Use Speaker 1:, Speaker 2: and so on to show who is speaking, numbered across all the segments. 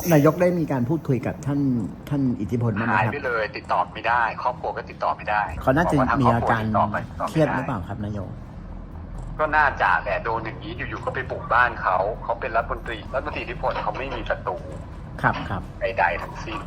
Speaker 1: นายกได้มีการพูดคุยกับท่านอิทธิพลบ้างไหมครับหาย
Speaker 2: ไปเลยติดต่อไม่ได้ครอบครัวก็ติดต่อไม่ได้
Speaker 1: เขาน่าจะมีอาการเครียดหรือเปล่าครับนายก
Speaker 2: ก็น่าจะแต่โดนอย่างนี้อยู่ๆก็ไปบุกบ้านเขาเป็นรัฐมนตรีอิทธิพลเขาไม่มีศัตรู
Speaker 1: ครับ
Speaker 2: ใดๆทั้งสิ้น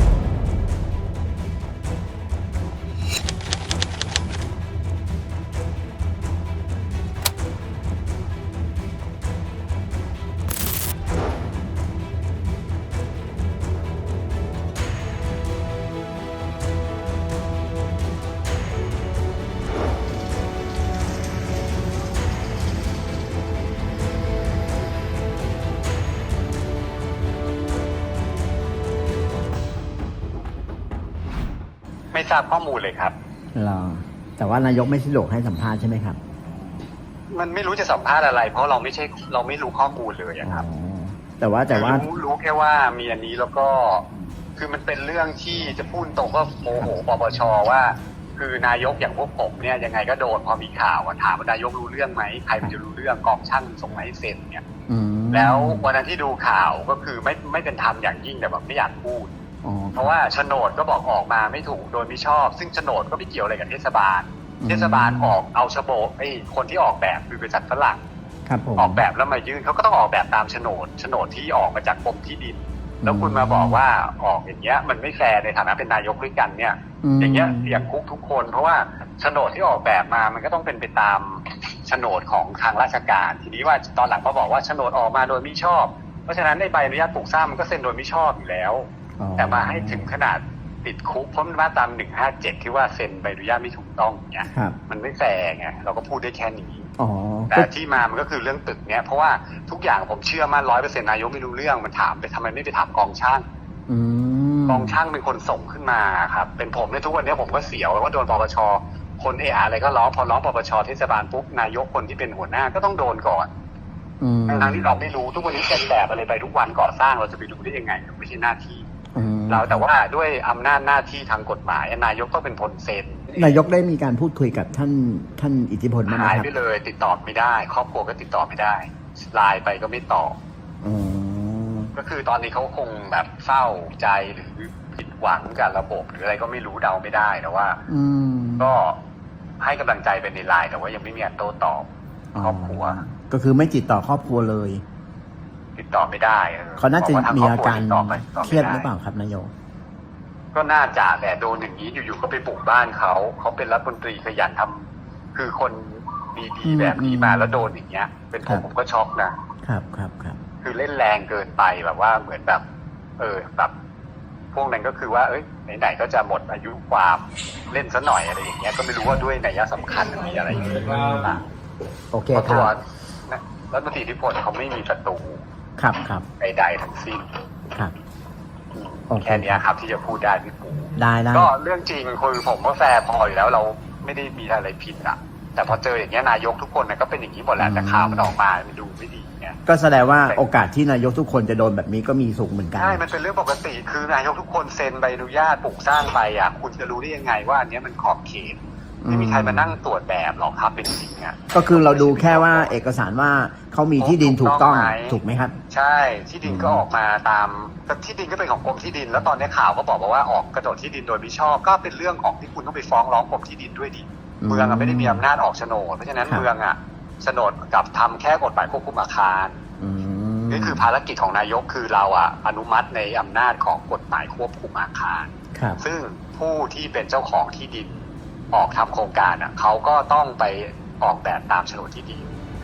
Speaker 2: ไม่ทราบข้อมูลเลยครับ
Speaker 1: แต่ว่านายกไม่สะดวกให้สัมภาษณ์ใช่ไหมครับ
Speaker 2: มันไม่รู้จะสัมภาษณ์อะไรเพราะเราไม่รู้ข้อมูลเลยครับ
Speaker 1: แต่ว่า
Speaker 2: รู้แค่ว่ามีอันนี้แล้วก็คือมันเป็นเรื่องที่จะพูดตรงก็โมโหปปชว่าคือนายกอย่างพวกผมเนี่ยยังไงก็โดนพอมีข่าวถามว่านายกรู้เรื่องไหมใครมันจะรู้เรื่องกองช่างส่งมาให้เซ็นเนี่ยแล้ววันนั้นที่ดูข่าวก็คือไม่เป็นธรรมอย่างยิ่งแต่แบบไม่อยากพูดเพราะว่าโฉนดก็บอกออกมาไม่ถูกโดยไม่ชอบซึ่งโฉนดก็ไม่เกี่ยวอะไรกับเทศบาลออกเอาโฉนดคนที่ออกแบบคือบริษัทฝรั่งออกแบบแล้วมายื่นเขาก็ต้องออกแบบตามโฉนดที่ออกมาจากกรมที่ดินแล้วคุณมาบอกว่าออกอย่างเงี้ยมันไม่แฟร์ในฐานะเป็นนายกด้วยกันเนี่ยอย่างเงี้ยเสี่ยงคุกทุกคนเพราะว่าโฉนดที่ออกแบบมามันก็ต้องเป็นไปตามโฉนดของทางราชการทีนี้ว่าตอนหลังเขาบอกว่าโฉนดออกมาโดยไม่ชอบเพราะฉะนั้นในใบอนุญาตปลูกสร้างมันก็เซ็นโดยไม่ชอบอยู่แล้วแต่มาให้ถึงขนาดติดคุกเพราะมันมาตาม157ที่ว่าเซ็นใบอนุญาตไม่ถูกต้องเนี่ยมันไม่แฟร์ไงเราก็พูดได้แค่นี้แต่ที่มามันก็คือเรื่องตึกเนี้ยเพราะว่าทุกอย่างผมเชื่อมั่น100%นายกไม่รู้เรื่องมันถามไปทำไมไม่ไปถามกองช่างกองช่างเป็นคนส่งขึ้นมาครับเป็นผมในทุกวันนี้ผมก็เสียวว่าโดนปปชคนอะไรก็ร้องพอร้องปปชเทศบาลปุ๊บนายกคนที่เป็นหัวหน้าก็ต้องโดนก่อนทั้งที่เราไม่รู้ทุกวันนี้เป็นแบบอะไรไปทุกวันก่อสร้างเราจะไปดูได้ยังไงไม่ใช่หน้าที่เราแต่ว่าด้วยอำนาจหน้าที่ทางกฎหมายนายกต้องเป็นคนเซ็น
Speaker 1: นายกได้มีการพูดคุยกับท่านอิทธิพลบ้างไหมครับ
Speaker 2: หายไปเลยติดต่อไม่ได้ครอบครัวก็ติดต่อไม่ได้ไลน์ไปก็ไม่ตอบก็คือตอนนี้เขาคงแบบเศร้าใจหรือผิดหวังกับระบบหรืออะไรก็ไม่รู้เดาไม่ได้แต่ว่าก็ให้กำลังใจเป็นในไลน์แต่ว่ายังไม่มีการโต้ตอบครอบครัว
Speaker 1: ก็คือไม่ติดต่อครอบครัวเลย
Speaker 2: ติดต่อไม่ได้
Speaker 1: เขาน่าจะมีอาการเครียดหรือเปล่าครับนายก
Speaker 2: ก็น่าจะแต่โดนอย่างนี้อยู่ๆก็ไปบุกบ้านเขาเป็นรัฐมนตรีขยันทำคือคนดีๆแบบนี้มาแล้วโดนอย่างเงี้ยเป็นผมก็ช็อก
Speaker 1: นะครับ
Speaker 2: คือเล่นแรงเกินไปแบบว่าเหมือนแบบแบบพวกนั้นก็คือว่าไหนๆก็จะหมดอายุความเล่นซะหน่อยอะไรอย่างเงี้ยก็ไม่รู้ว่าด้วยนัยสำคัญมีอะไรอยู่หรือเปล่า
Speaker 1: โอเคครับ
Speaker 2: รัฐมนตรีอิทธิพลเขาไม่มีศัตรูใดๆทั้งสิ้นแค่นี้ครับที่จะพูดได้พี่ปู่
Speaker 1: ได้
Speaker 2: ก็เรื่องจริงคือผมว่าแฟร์พออยู่แล้วเราไม่ได้มีอะไรผิดอ่ะแต่พอเจออย่างเงี้ยนายกทุกคนก็เป็นอย่างนี้หมดแหละแต่ข่าวมันออกมามันดูไม่ดีเนี่ย
Speaker 1: ก็แสดงว่าโอกาสที่นายกทุกคนจะโดนแบบนี้ก็มีสูงเหมือนกัน
Speaker 2: ใช่มันเป็นเรื่องปกติคือนายกทุกคนเซ็นใบอนุญาตปลูกสร้างไปอ่ะคุณจะรู้ได้ยังไงว่าอันนี้มันขอบเขตไม่มีใครมานั่งตรวจแบบหรอกครับเป็นจริงอ่ะ
Speaker 1: ก็คือเราดูแค่ว่าเอกสารว่าเขามีที่ดินถูกต้องถูกไหมครับ
Speaker 2: ใช่ที่ดินก็ออกมาตามที่ดินก็เป็นของกรมที่ดินแล้วตอนนี้ข่าวก็บอกว่าออกกระโดดที่ดินโดยมิชอบก็เป็นเรื่องของที่คุณต้องไปฟ้องร้องกรมที่ดินด้วยดิเมืองไม่ได้มีอำนาจออกโฉนดเพราะฉะนั้นเมืองโฉนดกับทำแค่กฎหมายควบคุมอาคารนี่คือภารกิจของนายกคือเราอนุมัติในอำนาจของกฎหมายควบคุมอาคารซึ่งผู้ที่เป็นเจ้าของที่ดินออกทำโครงการเขาก็ต้องไปออกแบบตามโฉนดที่ดิน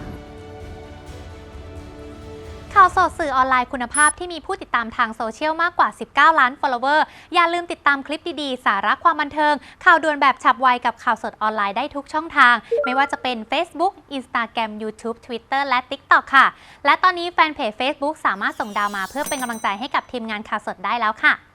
Speaker 3: ข่าวสดสื่อออนไลน์คุณภาพที่มีผู้ติดตามทางโซเชียลมากกว่า19 ล้าน follower อย่าลืมติดตามคลิปดีๆสาระความบันเทิงข่าวด่วนแบบฉับไวกับข่าวสดออนไลน์ได้ทุกช่องทางไม่ว่าจะเป็น Facebook Instagram YouTube Twitter และ TikTok ค่ะและตอนนี้แฟนเพจ Facebook สามารถส่งดาวมาเพื่อเป็นกำลังใจให้กับทีมงานข่าวสดได้แล้วค่ะ